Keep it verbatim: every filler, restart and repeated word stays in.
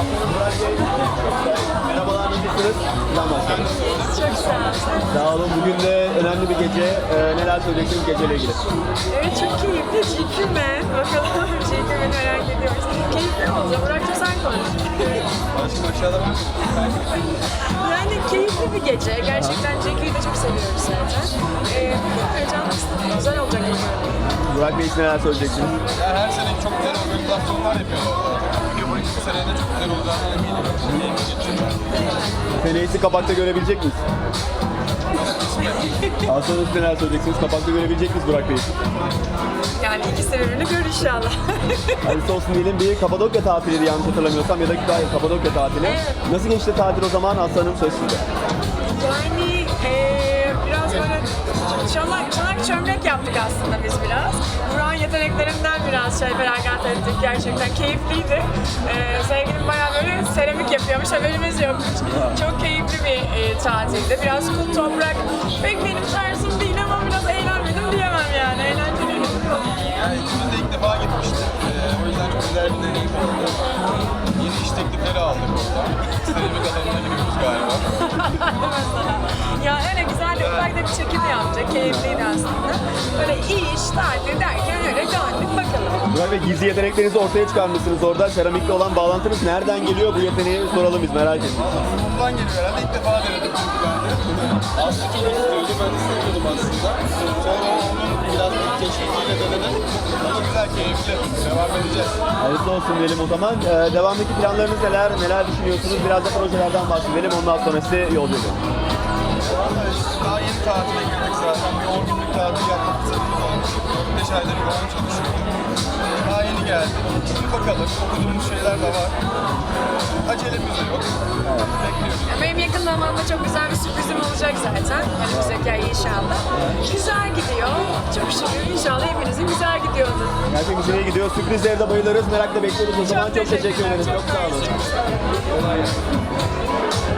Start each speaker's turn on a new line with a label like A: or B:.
A: Merhabalar, nasılsınız? Buradan başlayalım.
B: Çok sağ ol.
A: Sağ olun. Bugün de önemli bir gece. Ee, neler söyleyeceksiniz geceyle ilgili?
B: Evet, çok keyifli. Çekime. Bakalım çekimini merak ediyoruz. Keyifli olacak. Burak'cığım sen konuş. Yani keyifli bir gece. Gerçekten Jackie'yi de çok seviyoruz zaten. Ee, Bakalım heyecanlı. Güzel olacak umarım.
A: Burak Bey için neler söyleyeceksiniz?
C: Ya her sene çok güzel organizasyonlar yapıyorlar. Bugün bu sene de çok güzel olacağını eminim.
A: Feneğisi kapakta görebilecek miyiz? Aslanım siz neler söyleyeceksiniz? Kapakta görebilecek miyiz Burak Bey?
B: Yani ikisi birbirini gör inşallah.
A: Hayırlısı olsun diyelim. Bir Kapadokya tatiliydi yanlış hatırlamıyorsam ya da hayır Kapadokya tatili.
B: Evet.
A: Nasıl geçti tatil o zaman Aslanım söz sizde?
B: Yani eee biraz böyle çanak, çanak çömlek yaptık aslında biz biraz. Burak'ın yeteneklerinden biraz şey feragat ettik. Gerçekten keyifliydi. Eee sevgilim bayağı böyle seramik yapıyormuş, haberimiz yokmuş. Çok keyifli bir e, tatildi. Biraz kum toprak. Pek benim tarzım değil ama biraz eğlenmedim diyemem yani. Eğlenceliydi.
C: Yani ikimiz de ilk defa gitmiştik. Ee, o yüzden çok güzel bir deneyim oldu. Yeni iş teklifleri aldık orada. Seramik alanına giriyoruz galiba.
B: Ya öyle güzel de ufak da bir çekim yaptık. Keyifliydi aslında. Böyle iş, tatil derken öyle döndük bakalım.
A: Burak Bey gizli yeteneklerinizi ortaya çıkarmışsınız orada. Seramikle olan bağlantınız nereden geliyor? Bu yeteneği soralım biz merak ettik.
C: Bundan geliyor herhalde. İlk defa denedim çünkü ben de. Aslında çok istiyordu. Ben istemiyordum aslında. Sonra onun biraz keşfiyle denedim. Ama güzel, keyifli. Devam edeceğiz.
A: Hayırlı olsun diyelim o zaman. Ee, devamdaki planlarınız neler? Neler düşünüyorsunuz? Biraz da projelerden bahsedelim. Ondan sonra size yolcu edelim.
C: Vallahi işte daha yeni tatile girdik zaten. Bir on günlük tatil yapmak istediğimiz olmuş. dört beş aydır falan çalışıyorduk. Daha yeni geldik. Şimdi bakalım. Okuduğumuz şeyler de var. Acelemiz de yok. Bekliyoruz.
B: Benim yakın zamanda çok güzel bir sürprizim olacak zaten. Önümüzdeki ay inşallah. Güzel gidiyor. Çok şükür inşallah hepinizin güzel gidiyordur.
A: Gerçekten güzel gidiyor. Sürprizlere de bayılırız. Merakla bekliyoruz o zaman. Çok teşekkür
B: teşekkürler,
A: ederiz. Çok sağ olun.
B: mersi.
A: Kolay gelsin.